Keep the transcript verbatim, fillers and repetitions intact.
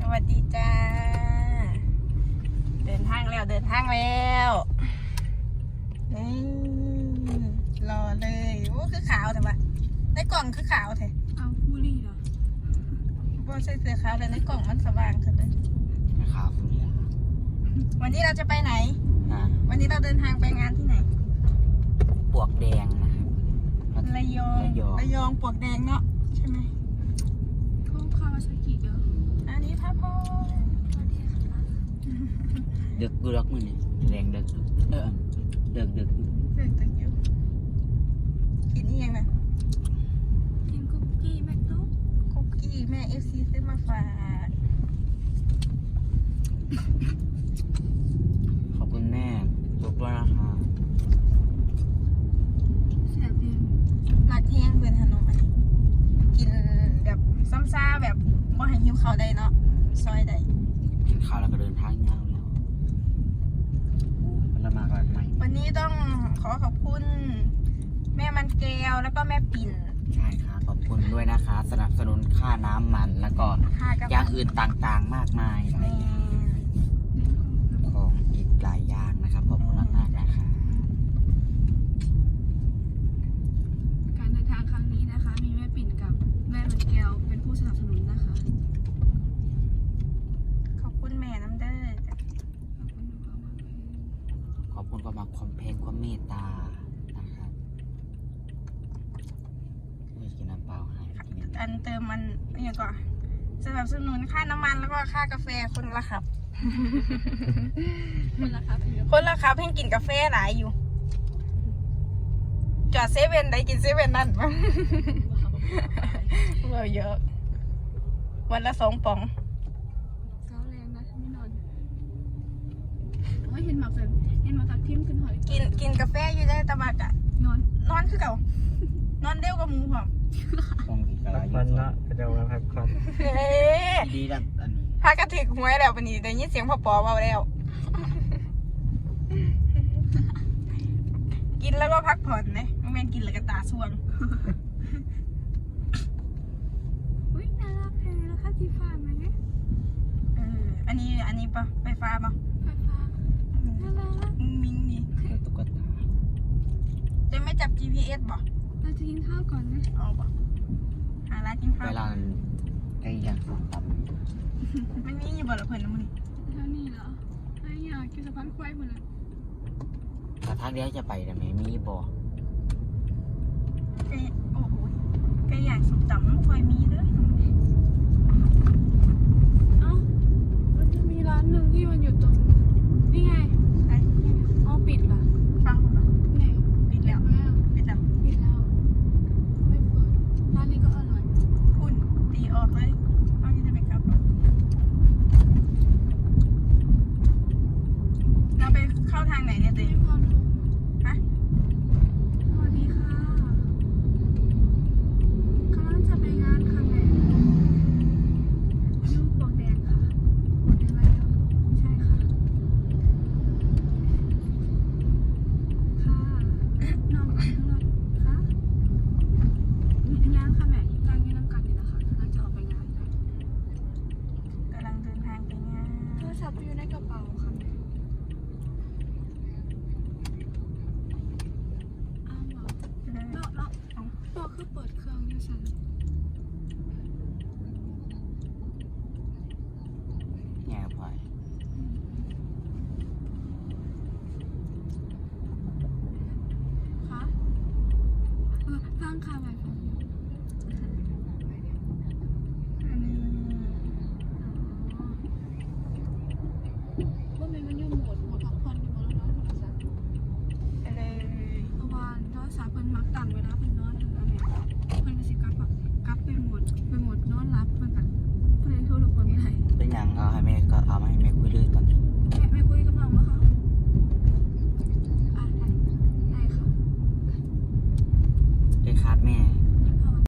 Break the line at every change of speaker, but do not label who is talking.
วัสดีจ้าเดินทางแล้วเดินทางแล้วนี่รอเลยโอ้คือขาวแต่ว่าในกล่องคือขาวแท้
เอาผู้รีเหรอ
บ่ใส่เสื้อขาวแต่ในกล่องมันสว่างขึ้นเลย
ขาวคนนี้
วันนี้เราจะไปไหน
ฮะ
วันนี้เราเดินทางไปงานที่ไหน
ปวกแดงนะครับ
ระยองระยองปวกแดงเนาะใช่ไหม
พวกคาวาซากิเด้อ
อันนี้พระพร
เด็กดูรักมือนี่แรงเด็กเออเด็กเด็ก
เด็กตึงอยู่กินนี่ยังไง
กินคุกกี้แมคโดนัลด์
คุกกี้แม่เอฟซีซื้อมาฝาก
ขอบคุณแม่ทุกด้วยนะคะ
แซ่บเอง
หลักแห้งเพื่อนขนมอันนี้กินแบบซ้ำซ่าแบบว่าให้หิวเขาได้เนาะซอยได้
กินข้าวแล้วก็เดินทางยาวแล้วมันละมากแบบไหม
วันนี้ต้องขอขอบคุณแม่มันแก้วแล้วก็แม่ปิ่น
ใช่ค่ะขอบคุณด้วยนะคะสนับสนุนค่าน้ำมันแล้วก็อย่างอื่นต่างๆมากมายหลายอย่างของอีกหลายอย่างนะครับขอบคุณมากๆนะคะ
การเดินทางครั้งนี้นะคะมีแม่ปิ่นกับแม่มันแก้วเป็นผู้สนับสนุนนะคะ
ขอบคุณแม่น้ำเด้อ
ขอบคุณความรักความเพลงความเมตตานะครับไม่กินน้ำเปล่าให้
อันเติมมันอย่างก่อนสนับสนุนค่าน้ำมันแล้วก็ค่ากาแฟคนละครับ
คนละครับ
คนละครับเพิ่งกินกาแฟหลายอยู่จอดเซเว่นได้กินเซเว่นนั่นมั้งเราเยอะวันละสองป๋อง
เช้าแรงนะไม่นอนว่าเห็นหมากเลยเห็นหมากตักทิมขึ้นหอย
กินกินกาแฟอยู่ได้ตะบักอะ
นอน
นอนคือเก่านอนเร็วกับมูผม
พักผ่อนเนาะเดี๋ยวพักผ่อนดีดังอันนี้
พากระถึกหวยแล้ววันนี้ได้ยินเสียงพ่อปอเบาแล้วกินแล้วก็พักผ่อนนะไม่แม่นกินแล้วก็ตาส่วง
อุ้ยน่ารักเลยแล้วค่าที่ฟ้าไหม
เอออันนี้อันนี้ปะไฟฟ้าปะ
ไฟฟ้าน่ารัก
มิงนี่
ตุ๊กตา
จะไม่จับ จี พี เอส บ่
เราจะกินข้าวก่อนนะ
เอาบ่หาร้านกินข้าว
เวลาไอ้อย่างสองตำ
มันนี่อยู่บ่ละเพิ่นนะมึง
เท่านี้เหรอไอ้อยากกินสะพานควายหมดเลย
ถ้าทางเดียวจะไปแต่ไม่มีบ่
ไก่โอ้โหไก่ย่างสุกตำมันควายมีเด้อ
เอ้ามันจะมีร้านหนึ่งที่มันอยู่ตรงนี่ไง
ไอ้
อ๋อปิดเหรอ
ฟังผมนะ
ไง
ปิดแล้วปิดแล้ว
ปิดแล้วไม่เปิดร้านนี้ก็อร่อย
คุณตีออกเลยเอาที่จะไปกลับเราไปเข้าทางไหนเนี่ยตีฮะ
สวัสดีค่ะกำลังจะไปงานค่ะแม่ยูปวกแดงค่ะปวกแดงอะไรอ่ะใช่ค่ะค่ะน้องอันรถค่ะงานค่ะแม่ทางนี้น้ำกันนี่นะคะกำลังจะออกไปงานค่ะ
กำลังเดินทางไปงาน
โทรศัพท์อยู่ในกระเป๋าค่ะแม่อ้าวเหรอแล้วแล้วตัวคือเปิดเครื่องอยู่ฉัน
แง่พอย
คะเออฟังค่ะแม่ฟัง
อันนี้
ว่ามันมันอยู่โหมดโหมดพักผ่อนอยู่โหมดแล้วนอนโทรศัพท์
อะไร
เพราะว่าโทรศัพท์เพิ่นมักตั้งเวลาเพิ่นนอน